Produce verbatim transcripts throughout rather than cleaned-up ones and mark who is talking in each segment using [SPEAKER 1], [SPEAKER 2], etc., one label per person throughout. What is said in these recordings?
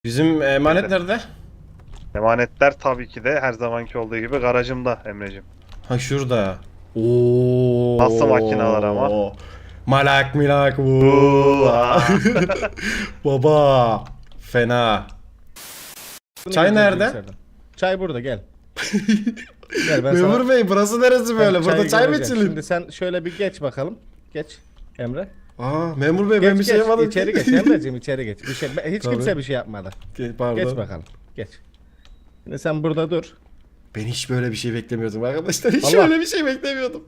[SPEAKER 1] Bizim emanet
[SPEAKER 2] Evet.
[SPEAKER 1] nerede?
[SPEAKER 2] Emanetler tabii ki de her zamanki olduğu gibi garajımda Emreciğim.
[SPEAKER 1] Ha şurada. Oo.
[SPEAKER 2] Nasıl makineler ama?
[SPEAKER 1] Malak milak bu.
[SPEAKER 2] Uaa.
[SPEAKER 1] Baba. Fena.
[SPEAKER 3] Bunu
[SPEAKER 1] Çay
[SPEAKER 3] gireceğiz
[SPEAKER 1] nerede?
[SPEAKER 3] bilgisayardan. Çay burada gel. Gel ben
[SPEAKER 1] Memur
[SPEAKER 3] sana...
[SPEAKER 1] Bey burası neresi
[SPEAKER 3] Ben
[SPEAKER 1] böyle? Burada
[SPEAKER 3] çayı
[SPEAKER 1] çay mı
[SPEAKER 3] göreceğim.
[SPEAKER 1] içilir?
[SPEAKER 3] Şimdi sen şöyle bir geç bakalım. Geç Emre.
[SPEAKER 1] Aa memur bey
[SPEAKER 3] Geç
[SPEAKER 1] ben bir şey
[SPEAKER 3] geç
[SPEAKER 1] yapmadım.
[SPEAKER 3] içeri geç Emre'ciğim içeri geç. Bir şey, hiç
[SPEAKER 1] Tabii.
[SPEAKER 3] kimse bir şey yapmadı.
[SPEAKER 1] Ge- Pardon.
[SPEAKER 3] Geç bakalım. Geç. Şimdi sen burada dur.
[SPEAKER 1] Ben hiç böyle bir şey beklemiyordum arkadaşlar. Hiç
[SPEAKER 3] Allah.
[SPEAKER 1] öyle bir şey beklemiyordum.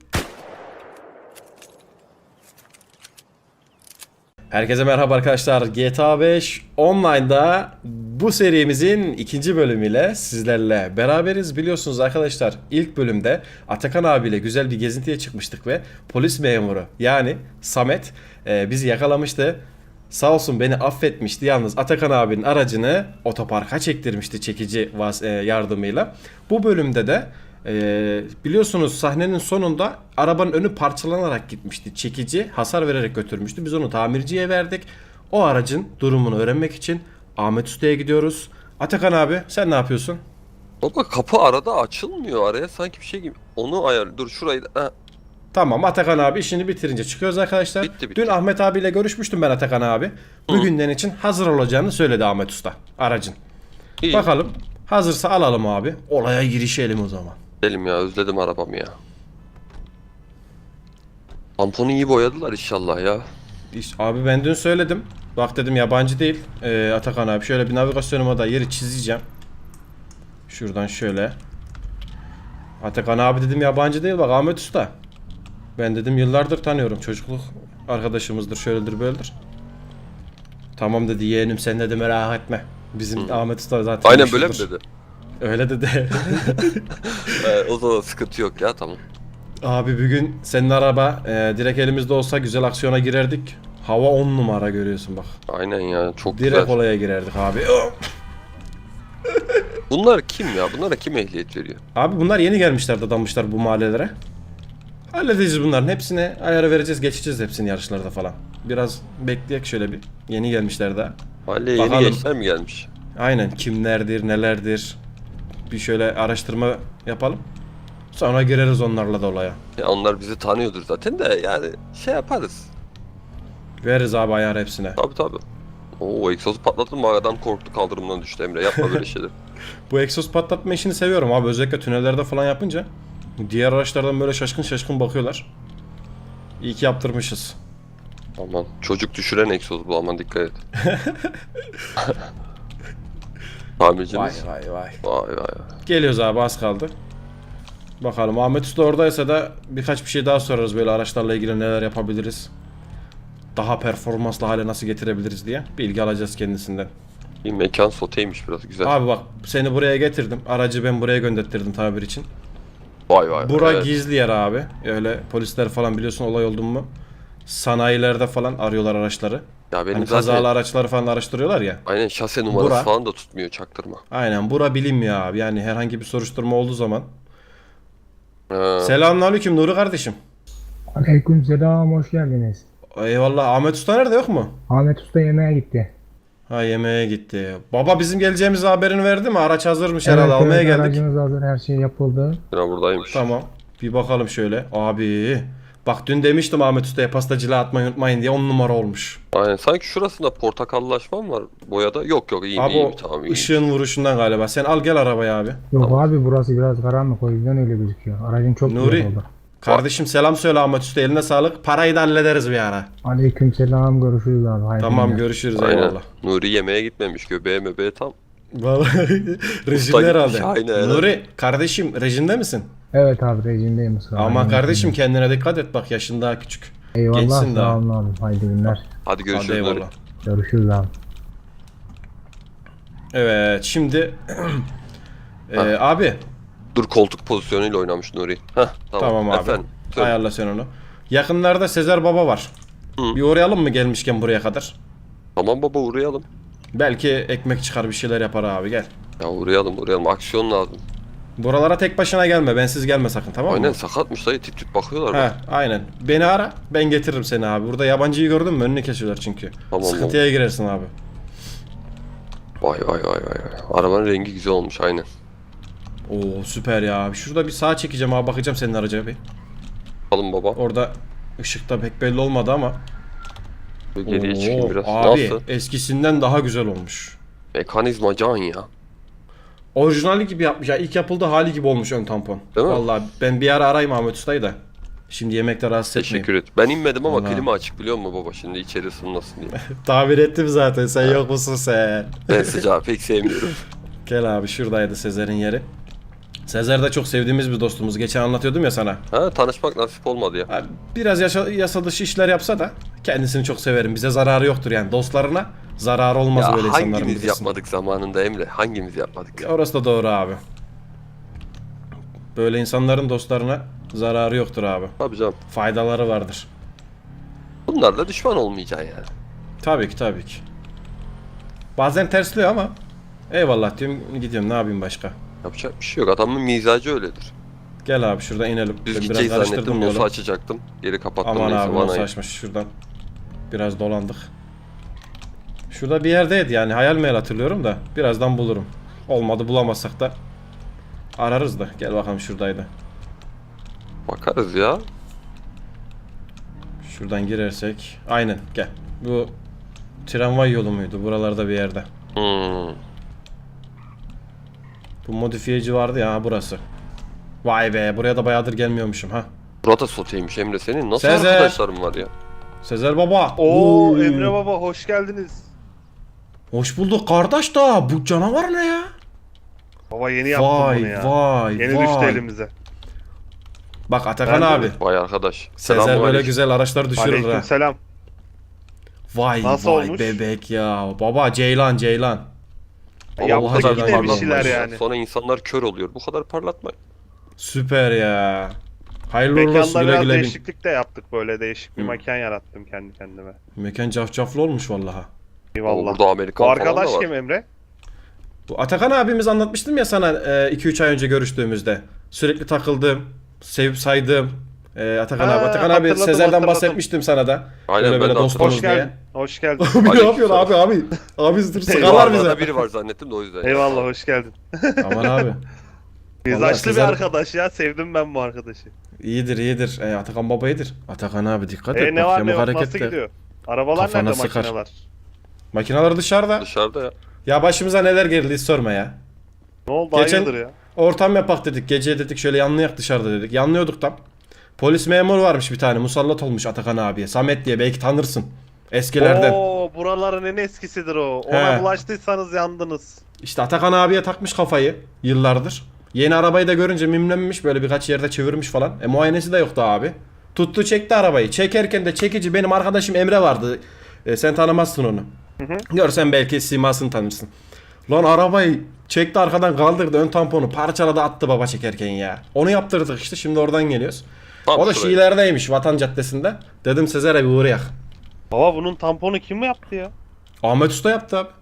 [SPEAKER 1] Herkese merhaba arkadaşlar. G T A beş Online'da bu serimizin ikinci bölümüyle sizlerle beraberiz. Biliyorsunuz arkadaşlar ilk bölümde Atakan abiyle güzel bir gezintiye çıkmıştık ve polis memuru yani Samet e, bizi yakalamıştı. Sağ olsun beni affetmişti. Yalnız Atakan abinin aracını otoparka çektirmişti çekici vas- e, yardımıyla. Bu bölümde de e, biliyorsunuz sahnenin sonunda arabanın önü parçalanarak gitmişti. Çekici hasar vererek götürmüştü. Biz onu tamirciye verdik. O aracın durumunu öğrenmek için Ahmet Usta'ya gidiyoruz. Atakan abi sen ne yapıyorsun?
[SPEAKER 4] Baba kapı arada açılmıyor, araya sanki bir şey gibi. Onu ayar. Dur şurayı da. Ha,
[SPEAKER 1] Tamam Atakan abi işini bitirince çıkıyoruz arkadaşlar.
[SPEAKER 4] Bitti, bitti.
[SPEAKER 1] Dün Ahmet abiyle görüşmüştüm ben Atakan abi. Bugünden için hazır olacağını söyledi Ahmet Usta aracın.
[SPEAKER 4] iyi.
[SPEAKER 1] Bakalım hazırsa alalım abi. Olaya girişelim o zaman.
[SPEAKER 4] Gidelim ya, özledim arabamı ya. Tamponu iyi boyadılar inşallah ya.
[SPEAKER 1] İşte, abi ben dün söyledim. Bak dedim yabancı değil. Ee, Atakan abi şöyle bir navigasyonuma da yeri çizeceğim. Şuradan şöyle. Atakan abi dedim yabancı değil bak Ahmet Usta. Ben dedim yıllardır tanıyorum. Çocukluk arkadaşımızdır şöyledir böyledir. Tamam dedi yeğenim sen dedi merak etme. Bizim Ahmet Usta zaten
[SPEAKER 4] Aynen böyle mi
[SPEAKER 1] meşhurdur.
[SPEAKER 4] dedi?
[SPEAKER 1] Öyle dedi.
[SPEAKER 4] Ee, o zaman sıkıntı yok ya, tamam.
[SPEAKER 1] Abi bugün senin araba e, direkt elimizde olsa güzel aksiyona girerdik. Hava on numara görüyorsun bak.
[SPEAKER 4] Aynen ya, çok
[SPEAKER 1] Direkt
[SPEAKER 4] güzel.
[SPEAKER 1] olaya girerdik abi.
[SPEAKER 4] Bunlar kim ya? Bunlara kim ehliyet veriyor?
[SPEAKER 1] Abi bunlar yeni gelmişler dadanmışlar bu mahallelere. Halledeceğiz bunların hepsine ayarı vereceğiz geçeceğiz hepsini yarışlarda falan. Biraz bekleyek şöyle bir. Yeni gelmişler daha.
[SPEAKER 4] Mahalleye yeni
[SPEAKER 1] Bakalım.
[SPEAKER 4] gençler mi gelmiş?
[SPEAKER 1] Aynen kimlerdir nelerdir. Bir şöyle araştırma yapalım. Sonra gireriz onlarla da olaya.
[SPEAKER 4] Ya onlar bizi tanıyordur zaten de, yani şey yaparız.
[SPEAKER 1] Veririz abi ayar hepsine.
[SPEAKER 4] Tabi tabi. Oo, egzozu patlattın mı, adam korktu, kaldırımdan düştü Emre, yapma böyle şeyler.
[SPEAKER 1] Bu egzoz patlatma işini seviyorum abi. Özellikle tünellerde falan yapınca. Diğer araçlardan böyle şaşkın şaşkın bakıyorlar. İyi ki yaptırmışız.
[SPEAKER 4] Aman çocuk düşüren egzoz bu, aman dikkat et. Tamircimiz.
[SPEAKER 1] vay vay.
[SPEAKER 4] Vay vay vay.
[SPEAKER 1] Geliyoruz abi az kaldı. Bakalım Ahmet Usta oradaysa da birkaç bir şey daha sorarız böyle araçlarla ilgili neler yapabiliriz. Daha performanslı hale nasıl getirebiliriz diye bilgi alacağız kendisinden.
[SPEAKER 4] Bir mekan soteymiş biraz, güzel.
[SPEAKER 1] Abi bak seni buraya getirdim. Aracı ben buraya gönderttirdim tabir için.
[SPEAKER 4] Vay vay.
[SPEAKER 1] Bura
[SPEAKER 4] evet.
[SPEAKER 1] gizli yer abi. Öyle polisler falan biliyorsun olay oldu mu? Sanayilerde falan arıyorlar araçları.
[SPEAKER 4] Ya benim
[SPEAKER 1] Hani
[SPEAKER 4] zaten
[SPEAKER 1] kazalı araçları falan araştırıyorlar ya.
[SPEAKER 4] aynen şase numarası
[SPEAKER 1] Bura.
[SPEAKER 4] falan da tutmuyor, çaktırma.
[SPEAKER 1] Aynen bura bilinmiyor abi. Yani herhangi bir soruşturma olduğu zaman.
[SPEAKER 4] Ee,
[SPEAKER 1] Selamünaleyküm Nuri kardeşim.
[SPEAKER 5] Aleykümselam, hoş geldiniz.
[SPEAKER 1] Eyvallah. Ahmet Usta nerede yok mu?
[SPEAKER 5] Ahmet Usta yemeğe gitti.
[SPEAKER 1] Ha yemeğe gitti. Baba bizim geleceğimiz haberini verdi mi? Araç hazırmış herhalde almaya
[SPEAKER 5] evet,
[SPEAKER 1] geldik.
[SPEAKER 5] aracınız hazır, her şey yapıldı.
[SPEAKER 4] Yine buradaymış.
[SPEAKER 1] Tamam. Bir bakalım şöyle. Abi. Bak dün demiştim Ahmet Usta'ya pastacılığa atmayı unutmayın diye on numara olmuş.
[SPEAKER 4] Aynen, sanki şurasında portakallaşma mı var boyada? Yok yok, iyi
[SPEAKER 1] Abi
[SPEAKER 4] iyi
[SPEAKER 1] o
[SPEAKER 4] tamam iyi.
[SPEAKER 1] ışığın vuruşundan galiba. Sen al gel arabaya abi.
[SPEAKER 5] Yok abi, burası biraz karanlık, o yüzden öyle gözüküyor. Aracın çok
[SPEAKER 1] Nuri.
[SPEAKER 5] güzel oldu.
[SPEAKER 1] Kardeşim selam söyle Ahmet Usta eline sağlık. Parayı da hallederiz bir ara.
[SPEAKER 5] Aleykümselam, görüşürüz abi. Hayırlı
[SPEAKER 1] Tamam
[SPEAKER 5] günler.
[SPEAKER 1] görüşürüz
[SPEAKER 4] Aynen.
[SPEAKER 1] eyvallah.
[SPEAKER 4] Nuri yemeğe gitmemiş, göbeğe möbeğe tam.
[SPEAKER 1] Vallahi rejimde
[SPEAKER 4] Usta
[SPEAKER 1] herhalde.
[SPEAKER 4] gitmiş, aynen, aynen.
[SPEAKER 1] Nuri kardeşim rejimde misin?
[SPEAKER 5] Evet abi, rejimdeyim ısrar.
[SPEAKER 1] Ama kardeşim kendine dikkat et bak yaşın daha küçük.
[SPEAKER 5] Eyvallah,
[SPEAKER 1] gençsin daha.
[SPEAKER 5] sağ olun abi. Hayırlı günler.
[SPEAKER 4] Hadi görüşürüz
[SPEAKER 1] Hadi
[SPEAKER 4] Nuri.
[SPEAKER 1] eyvallah.
[SPEAKER 5] Görüşürüz abi.
[SPEAKER 1] Evet şimdi Ee,
[SPEAKER 4] Ha.
[SPEAKER 1] abi
[SPEAKER 4] Dur, koltuk pozisyonuyla oynamış Nuri. Heh, tamam.
[SPEAKER 1] tamam abi
[SPEAKER 4] Efendim. söyle.
[SPEAKER 1] ayarla sen onu. Yakınlarda Sezer Baba var.
[SPEAKER 4] Hı.
[SPEAKER 1] Bir uğrayalım mı gelmişken buraya kadar?
[SPEAKER 4] Tamam baba, uğrayalım.
[SPEAKER 1] Belki ekmek çıkar bir şeyler yapar abi gel.
[SPEAKER 4] Ya uğrayalım uğrayalım, aksiyon lazım.
[SPEAKER 1] Buralara tek başına gelme bensiz gelme sakın tamam mı?
[SPEAKER 4] Aynen, sakatmış dayı, tip tip bakıyorlar
[SPEAKER 1] He
[SPEAKER 4] bak.
[SPEAKER 1] aynen. Beni ara ben getiririm seni abi. Burada yabancıyı gördün mü önünü kesiyorlar çünkü.
[SPEAKER 4] Tamam,
[SPEAKER 1] Sıkıntıya girersin abi.
[SPEAKER 4] Vay vay vay vay. vay. Arabanın rengi güzel olmuş aynen.
[SPEAKER 1] Oo süper ya. Şurada bir sağa çekeceğim abi, bakacağım senin araca bir.
[SPEAKER 4] Alın baba.
[SPEAKER 1] Orada ışıkta pek belli olmadı ama.
[SPEAKER 4] Böyle geriye
[SPEAKER 1] Oo,
[SPEAKER 4] çıkayım biraz.
[SPEAKER 1] abi
[SPEAKER 4] Nasıl?
[SPEAKER 1] eskisinden daha güzel olmuş.
[SPEAKER 4] Mekanizma can ya.
[SPEAKER 1] Orijinali gibi yapmış ya. İlk yapıldığı hali gibi olmuş ön tampon.
[SPEAKER 4] Değil mi?
[SPEAKER 1] Vallahi ben bir ara arayayım Ahmet Usta'yı da. Şimdi yemekte rahatsız etmeyeyim.
[SPEAKER 4] Teşekkür et. Ben inmedim ama
[SPEAKER 1] Vallahi.
[SPEAKER 4] klima açık biliyor musun baba? Şimdi içeri ısınmasın diye.
[SPEAKER 1] Tabir ettim zaten, sen yok musun sen?
[SPEAKER 4] Ben sıcağı pek sevmiyorum.
[SPEAKER 1] Gel abi, şuradaydı Sezer'in yeri. Sezer de çok sevdiğimiz bir dostumuz. Geçen anlatıyordum ya sana.
[SPEAKER 4] Ha tanışmak nasip olmadı ya.
[SPEAKER 1] Abi, biraz yaşa, yasa dışı işler yapsa da kendisini çok severim. Bize zararı yoktur yani. Dostlarına zararı olmaz
[SPEAKER 4] Ya
[SPEAKER 1] böyle insanların.
[SPEAKER 4] hangimiz
[SPEAKER 1] bilirsin.
[SPEAKER 4] yapmadık zamanında Emre? Hangimiz yapmadık?
[SPEAKER 1] Ya orası da doğru abi. Böyle insanların dostlarına zararı yoktur abi.
[SPEAKER 4] Tabii canım.
[SPEAKER 1] Faydaları vardır.
[SPEAKER 4] Bunlarla düşman olmayacaksın yani.
[SPEAKER 1] Tabii ki, tabii ki. Bazen tersliyor ama eyvallah diyorum, gidiyorum, ne yapayım başka.
[SPEAKER 4] Yapacak bir şey yok. Adamın mizacı öyledir.
[SPEAKER 1] Gel abi şuradan inelim.
[SPEAKER 4] Düz
[SPEAKER 1] Ben
[SPEAKER 4] gideceğiz
[SPEAKER 1] biraz karıştırdım
[SPEAKER 4] zannettim. Nosu
[SPEAKER 1] yolu.
[SPEAKER 4] açacaktım. Geri kapattım
[SPEAKER 1] Aman
[SPEAKER 4] neyse
[SPEAKER 1] abi, nasıl
[SPEAKER 4] vanayı.
[SPEAKER 1] açmış şuradan. Biraz dolandık. Şurada bir yerdeydi yani, hayal meyal hatırlıyorum da birazdan bulurum. Olmadı, bulamazsak da ararız da. Gel bakalım, şuradaydı.
[SPEAKER 4] Bakarız ya.
[SPEAKER 1] Şuradan girersek. Aynen, gel. Bu tramvay yolu muydu? Buralarda bir yerde.
[SPEAKER 4] Hmm.
[SPEAKER 1] Bu modifiyeci vardı ya, ha, burası. Vay be, buraya da bayağıdır gelmiyormuşum ha.
[SPEAKER 4] Burada soteymiş Emre senin. Nasıl
[SPEAKER 1] Sezer.
[SPEAKER 4] arkadaşların var ya?
[SPEAKER 1] Sezer baba.
[SPEAKER 2] Oo
[SPEAKER 1] Oo.
[SPEAKER 2] Emre baba hoş geldiniz.
[SPEAKER 1] Hoş bulduk kardeş da, bu canavar ne ya?
[SPEAKER 2] Baba yeni yaptım bunu
[SPEAKER 1] Vay
[SPEAKER 2] ya.
[SPEAKER 1] vay
[SPEAKER 2] Yeni
[SPEAKER 1] vay.
[SPEAKER 2] düştü elimize.
[SPEAKER 1] Bak Atakan
[SPEAKER 2] Ben de
[SPEAKER 1] abi.
[SPEAKER 4] Vay arkadaş.
[SPEAKER 1] Sezer böyle
[SPEAKER 4] Selamünaleyküm.
[SPEAKER 1] güzel araçlar düşürür ha.
[SPEAKER 2] Aleykümselam.
[SPEAKER 1] Vay
[SPEAKER 2] Nasıl
[SPEAKER 1] vay
[SPEAKER 2] olmuş?
[SPEAKER 1] bebek ya. Baba Ceylan Ceylan.
[SPEAKER 4] Vallahi
[SPEAKER 2] Yaptık
[SPEAKER 4] bu kadar
[SPEAKER 1] yine bir
[SPEAKER 4] parlatmayın
[SPEAKER 2] şeyler
[SPEAKER 4] ya.
[SPEAKER 2] yani.
[SPEAKER 4] Sonra insanlar kör oluyor. Bu kadar parlatmayın.
[SPEAKER 1] Süper ya. Hayırlı uğurlu olsun,
[SPEAKER 2] Mekanda
[SPEAKER 1] güle
[SPEAKER 2] biraz
[SPEAKER 1] güle bin.
[SPEAKER 2] değişiklik de yaptık, böyle değişik bir
[SPEAKER 1] Hı.
[SPEAKER 2] mekan yarattım kendi kendime.
[SPEAKER 1] Mekan cafcaflı olmuş vallaha.
[SPEAKER 4] Ama
[SPEAKER 2] Eyvallah.
[SPEAKER 4] burada Amerikan
[SPEAKER 2] Bu
[SPEAKER 4] falan
[SPEAKER 2] arkadaş
[SPEAKER 4] da var.
[SPEAKER 2] kim Emre?
[SPEAKER 1] Bu Atakan abimiz, anlatmıştım ya sana iki üç ay önce görüştüğümüzde. Sürekli takıldığım, sevip saydığım e, Atakan
[SPEAKER 2] Ha,
[SPEAKER 1] abi. Atakan abi
[SPEAKER 2] hatırladım,
[SPEAKER 1] Sezer'den
[SPEAKER 2] hatırladım.
[SPEAKER 1] bahsetmiştim sana da.
[SPEAKER 4] Aynen,
[SPEAKER 1] Böyle
[SPEAKER 4] ben
[SPEAKER 1] böyle
[SPEAKER 4] de
[SPEAKER 1] dostumuz
[SPEAKER 2] Hoş
[SPEAKER 1] diye.
[SPEAKER 2] geldin. Hoş geldin.
[SPEAKER 1] Abi ne
[SPEAKER 4] Aleyküm
[SPEAKER 1] yapıyorsun abi
[SPEAKER 4] selam.
[SPEAKER 1] abi? Abi dur, sıkarlar
[SPEAKER 2] Eyvallah,
[SPEAKER 1] bize.
[SPEAKER 4] Arada biri var zannettim de o yüzden.
[SPEAKER 2] Eyvallah hoş geldin.
[SPEAKER 1] Aman abi.
[SPEAKER 2] Mizaçlı bir
[SPEAKER 1] Sezer-
[SPEAKER 2] arkadaş ya, sevdim ben bu arkadaşı.
[SPEAKER 1] İyidir iyidir. E, Atakan baba iyidir. Atakan abi dikkat et.
[SPEAKER 2] E ne
[SPEAKER 1] bak,
[SPEAKER 2] var ne
[SPEAKER 1] yamuk
[SPEAKER 2] yok, nasıl
[SPEAKER 1] hareketler.
[SPEAKER 2] gidiyor? Arabalar
[SPEAKER 1] Kafana
[SPEAKER 2] nerede,
[SPEAKER 1] sıkar.
[SPEAKER 2] makineler?
[SPEAKER 1] Makineler dışarıda.
[SPEAKER 4] Dışarıda ya.
[SPEAKER 1] Ya başımıza neler geldi hiç sorma ya.
[SPEAKER 2] Ne oldu,
[SPEAKER 1] Geçen-
[SPEAKER 2] hayırdır ya?
[SPEAKER 1] Ortam yapak dedik. Gece dedik şöyle yanlayak dışarıda dedik. Yanlıyorduk tam. Polis memuru varmış bir tane. Musallat olmuş Atakan abiye. Samet diye, belki tanırsın. Eskilerden.
[SPEAKER 2] Oo, buraların en eskisidir o. Ona
[SPEAKER 1] He.
[SPEAKER 2] bulaştıysanız yandınız.
[SPEAKER 1] İşte Atakan abiye takmış kafayı yıllardır. Yeni arabayı da görünce mimlenmiş, böyle birkaç yerde çevirmiş falan. E muayenesi de yoktu abi. Tuttu çekti arabayı. Çekerken de çekici benim arkadaşım Emre vardı. E, sen tanımazsın onu. Görsen belki simasını tanırsın. Lan arabayı çekti, arkadan kaldırdı, ön tamponu parçaladı, attı baba çekerken ya. Onu yaptırdık işte, şimdi oradan geliyoruz.
[SPEAKER 4] Tam
[SPEAKER 1] O da
[SPEAKER 4] şuraya.
[SPEAKER 1] Şiiler'deymiş, Vatan Caddesi'nde. Dedim Sezer'e bir uğrayak.
[SPEAKER 2] Baba bunun tamponu kim yaptı ya?
[SPEAKER 1] Ahmet Usta yaptı abi.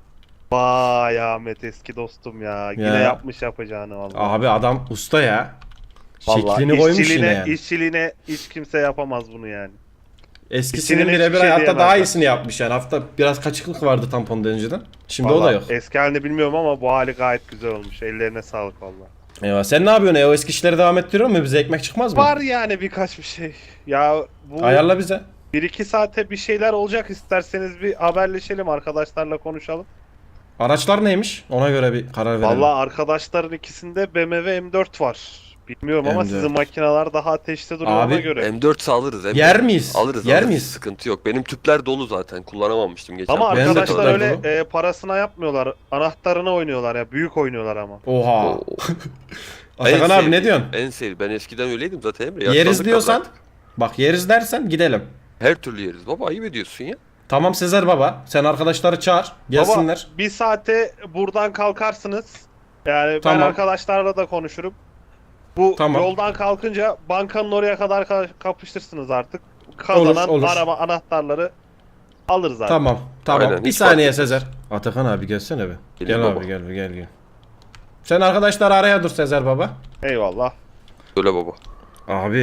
[SPEAKER 2] Vay Ahmet, eski dostum ya. Yine
[SPEAKER 1] Ya.
[SPEAKER 2] yapmış yapacağını vallahi.
[SPEAKER 1] Abi adam usta ya.
[SPEAKER 2] Vallahi
[SPEAKER 1] Şeklini koymuş yine
[SPEAKER 2] işçiliğine,
[SPEAKER 1] yani.
[SPEAKER 2] işçiliğine hiç kimse yapamaz bunu yani.
[SPEAKER 1] Eskisinin
[SPEAKER 2] İçine
[SPEAKER 1] birebir
[SPEAKER 2] hiçbir şey
[SPEAKER 1] hatta daha
[SPEAKER 2] diyemezler.
[SPEAKER 1] iyisini yapmış yani. Hafta biraz kaçıklık vardı tamponda önceden. Şimdi o da
[SPEAKER 2] Vallahi
[SPEAKER 1] yok.
[SPEAKER 2] Eski halini bilmiyorum ama bu hali gayet güzel olmuş. Ellerine sağlık vallahi.
[SPEAKER 1] Eyvah. Sen ne yapıyorsun? E, o eski işleri devam ettiriyor mu? Bize ekmek çıkmaz mı?
[SPEAKER 2] Var yani birkaç bir şey. Ya bu
[SPEAKER 1] Ayarla bize.
[SPEAKER 2] bir iki saate bir şeyler olacak, isterseniz bir haberleşelim, arkadaşlarla konuşalım.
[SPEAKER 1] Araçlar neymiş? Ona göre bir karar verelim.
[SPEAKER 2] Vallahi arkadaşların ikisinde B M W M dört var. Bilmiyorum ama
[SPEAKER 1] M dört.
[SPEAKER 2] sizin makineler daha ateşte duruyor,
[SPEAKER 1] Abi,
[SPEAKER 2] ona göre.
[SPEAKER 4] M dört alırız. M dört.
[SPEAKER 1] Yer miyiz?
[SPEAKER 4] Alırız.
[SPEAKER 1] Yer
[SPEAKER 4] alırız.
[SPEAKER 1] miyiz?
[SPEAKER 4] Sıkıntı yok. Benim tüpler dolu zaten. Kullanamamıştım geçen.
[SPEAKER 2] Ama
[SPEAKER 1] Benim de
[SPEAKER 2] arkadaşlar
[SPEAKER 1] tüpler
[SPEAKER 2] öyle
[SPEAKER 1] dolu.
[SPEAKER 2] e, parasına yapmıyorlar. Anahtarına oynuyorlar ya. Büyük oynuyorlar ama.
[SPEAKER 1] Oha.
[SPEAKER 4] Oo.
[SPEAKER 1] Atakan
[SPEAKER 4] En
[SPEAKER 1] abi ne
[SPEAKER 4] sevdiğim-
[SPEAKER 1] diyorsun?
[SPEAKER 4] En sevdiğim. Ben eskiden öyleydim zaten Emre.
[SPEAKER 1] Yeriz
[SPEAKER 4] Yaşlandık
[SPEAKER 1] diyorsan.
[SPEAKER 4] artık.
[SPEAKER 1] Bak yeriz dersen gidelim.
[SPEAKER 4] Her türlü yeriz. Baba ayıp ediyorsun ya.
[SPEAKER 1] Tamam Sezer baba. Sen arkadaşları çağır. Gelsinler.
[SPEAKER 2] Baba bir saate buradan kalkarsınız. Yani
[SPEAKER 1] Tamam.
[SPEAKER 2] ben arkadaşlarla da konuşurum. Bu
[SPEAKER 1] Tamam.
[SPEAKER 2] yoldan kalkınca bankanın oraya kadar ka- kapıştırsınız artık. Kazanan
[SPEAKER 1] Olur, olur.
[SPEAKER 2] araba anahtarları alır zaten.
[SPEAKER 1] Tamam. Tamam.
[SPEAKER 4] Aynen,
[SPEAKER 1] bir
[SPEAKER 4] hiç
[SPEAKER 1] saniye
[SPEAKER 4] fark etmez.
[SPEAKER 1] Sezer. Atakan abi gelsene bir.
[SPEAKER 4] Geleyim
[SPEAKER 1] Gel
[SPEAKER 4] baba.
[SPEAKER 1] abi gel gel gel. Sen arkadaşları araya dur Sezer baba.
[SPEAKER 2] Eyvallah.
[SPEAKER 4] Öyle baba.
[SPEAKER 1] Abi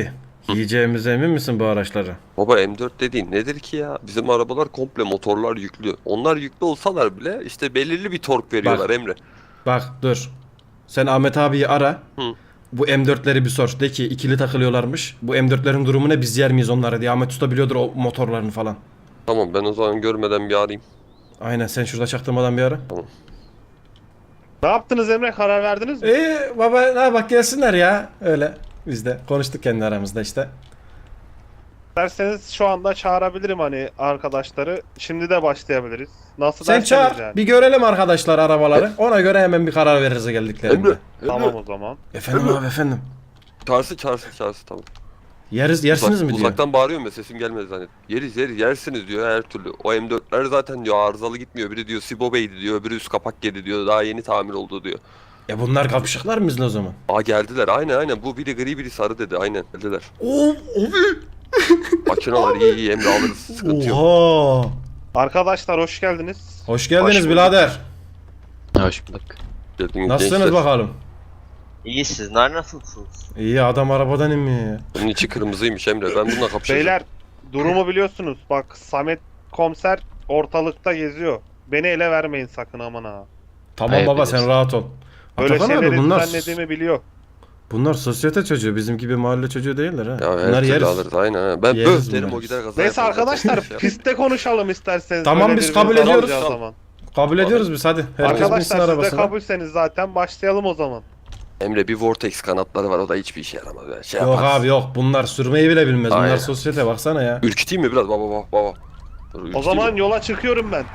[SPEAKER 1] Giyeceğimize emin misin bu araçları?
[SPEAKER 4] Baba M dört dediğin nedir ki ya? Bizim arabalar komple motorlar yüklü. Onlar yüklü olsalar bile işte belirli bir tork veriyorlar Emre.
[SPEAKER 1] Bak dur. Sen Ahmet abiyi ara.
[SPEAKER 4] Hı.
[SPEAKER 1] Bu M dörtleri bir sor. De ki ikili takılıyorlarmış. Bu M dörtlerin durumu ne, biz yer miyiz onları diye. Ahmet Usta biliyordur o motorlarını falan.
[SPEAKER 4] Tamam ben o zaman görmeden bir arayayım.
[SPEAKER 1] Aynen, sen şurada çaktırmadan bir ara.
[SPEAKER 2] Ne yaptınız Emre? Karar verdiniz mi?
[SPEAKER 1] İyi baba, ne bak gelsinler ya. Öyle biz de konuştuk kendi aramızda işte.
[SPEAKER 2] Derseniz şu anda çağırabilirim hani arkadaşları. Şimdi de başlayabiliriz. Nasıl
[SPEAKER 1] Sen
[SPEAKER 2] derseniz
[SPEAKER 1] çağır
[SPEAKER 2] yani.
[SPEAKER 1] bir görelim arkadaşlar arabaları. Ona göre hemen bir karar veririz geldiklerinde.
[SPEAKER 4] Emre.
[SPEAKER 2] Tamam o zaman.
[SPEAKER 1] Efendim abi efendim.
[SPEAKER 4] Çağırsın çağırsın çağırsın tamam.
[SPEAKER 1] Yeriz, yersiniz
[SPEAKER 4] Uzak-
[SPEAKER 1] mi diyor.
[SPEAKER 4] Uzaktan bağırıyorum ya sesim gelmedi zannet. Yeriz yeriz yersiniz diyor her türlü. O M dörtler zaten diyor arızalı gitmiyor. Biri diyor Sibo Bey'di diyor, öbürü üst kapak yedi diyor. Daha yeni tamir oldu diyor.
[SPEAKER 1] E bunlar kapışıklar mı bizle o zaman?
[SPEAKER 4] Aa geldiler aynen aynen. Bu biri gri biri sarı dedi aynen geldiler.
[SPEAKER 1] Oo abi.
[SPEAKER 4] Makineler iyi iyi Emre alırız sıkıntı yok.
[SPEAKER 1] Oha.
[SPEAKER 2] Arkadaşlar hoş geldiniz.
[SPEAKER 1] Hoş geldiniz
[SPEAKER 4] Hoş bulduk.
[SPEAKER 1] birader.
[SPEAKER 6] Hoş bulduk.
[SPEAKER 4] Geldiniz
[SPEAKER 1] Nasılsınız
[SPEAKER 4] gençler.
[SPEAKER 1] bakalım?
[SPEAKER 6] İyi sizler nasılsınız?
[SPEAKER 1] İyi, adam arabadan inmiyor ya.
[SPEAKER 4] Bunun içi kırmızıymış Emre ben bununla kapışacağım.
[SPEAKER 2] Beyler durumu biliyorsunuz. Bak Samet komiser ortalıkta geziyor. Beni ele vermeyin sakın aman ha.
[SPEAKER 1] Tamam
[SPEAKER 6] Hayır,
[SPEAKER 1] baba,
[SPEAKER 6] bilirsin.
[SPEAKER 1] sen rahat ol.
[SPEAKER 2] Böyle
[SPEAKER 1] Atakan abi,
[SPEAKER 2] şeyleri
[SPEAKER 1] bunlar
[SPEAKER 2] düzenlediğimi biliyor.
[SPEAKER 1] bunlar sosyete çocuğu, bizim gibi mahalle çocuğu değiller ha.
[SPEAKER 4] Ya her
[SPEAKER 1] bunlar
[SPEAKER 4] türlü
[SPEAKER 1] yeriz.
[SPEAKER 4] alırız aynen. ha. Ben
[SPEAKER 1] Yeriz
[SPEAKER 4] böf derim
[SPEAKER 1] bunları.
[SPEAKER 4] o gider kaza
[SPEAKER 2] Neyse
[SPEAKER 4] yapar.
[SPEAKER 2] arkadaşlar
[SPEAKER 4] Şey yapar.
[SPEAKER 2] pistte konuşalım isterseniz.
[SPEAKER 1] Tamam,
[SPEAKER 2] Böyle
[SPEAKER 1] biz
[SPEAKER 2] birbirimizi
[SPEAKER 1] kabul ediyoruz.
[SPEAKER 2] alacağı zaman.
[SPEAKER 1] Kabul ediyoruz biz, hadi. Herkes binsin
[SPEAKER 2] Arkadaşlar siz de
[SPEAKER 1] arabasına.
[SPEAKER 2] kabulseniz zaten başlayalım o zaman.
[SPEAKER 4] Emre bir Vortex kanatları var o da hiçbir işe yaramaz. Yani. Şey
[SPEAKER 1] Yok
[SPEAKER 4] yaparız.
[SPEAKER 1] abi yok, bunlar sürmeyi bile bilmez. Bunlar
[SPEAKER 4] Aynen.
[SPEAKER 1] sosyete, baksana ya.
[SPEAKER 4] Ürküteyim mi biraz baba baba baba. Dur,
[SPEAKER 2] O
[SPEAKER 4] ürküteyim
[SPEAKER 2] zaman
[SPEAKER 4] mi?
[SPEAKER 2] yola çıkıyorum ben.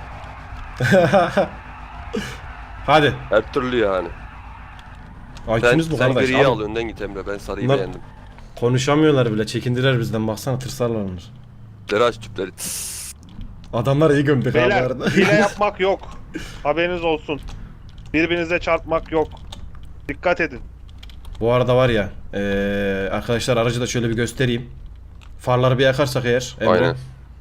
[SPEAKER 1] Hadi.
[SPEAKER 4] Her türlü yani.
[SPEAKER 1] Ay
[SPEAKER 4] Sen,
[SPEAKER 1] ikimiz bu
[SPEAKER 4] sen
[SPEAKER 1] kardeş.
[SPEAKER 4] griyi
[SPEAKER 1] Abi,
[SPEAKER 4] al önden git Emre ben sarıyı
[SPEAKER 1] Bunlar-
[SPEAKER 4] beğendim.
[SPEAKER 1] konuşamıyorlar bile, çekindiler bizden, baksana, tırsarlar onlar.
[SPEAKER 4] Tüpleri aç tüpleri. Tıs.
[SPEAKER 1] Adamlar iyi gömdük abi
[SPEAKER 2] Beyler
[SPEAKER 1] arada.
[SPEAKER 2] hile yapmak yok. Haberiniz olsun. Birbirinize çarpmak yok. Dikkat edin.
[SPEAKER 1] Bu arada var ya, eee, arkadaşlar aracı da şöyle bir göstereyim. Farları bir yakarsak eğer. Emre.
[SPEAKER 4] Aynen.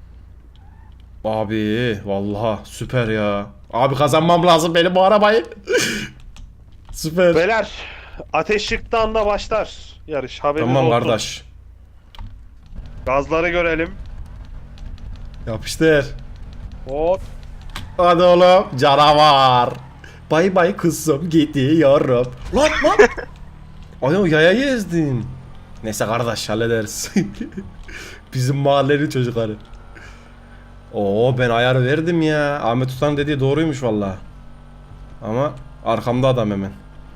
[SPEAKER 1] Abi vallahi süper ya. Abi kazanmam lazım benim bu arabayı. Süper.
[SPEAKER 2] Beyler ateş çıktığı anda başlar yarış. Haberiniz
[SPEAKER 1] Tamam
[SPEAKER 2] olsun.
[SPEAKER 1] kardeş.
[SPEAKER 2] Gazları görelim.
[SPEAKER 1] Yapıştır.
[SPEAKER 2] Hop.
[SPEAKER 1] Hadi oğlum canavar. Bay bay kızım gidiyorum. Lan lan. Ay o yayayı ezdin. Neyse kardeş, hallederiz. Bizim mahallenin çocukları. Oo, ben ayar verdim ya. Ahmet Usta'nın dediği doğruymuş vallahi. Ama arkamda adam hemen.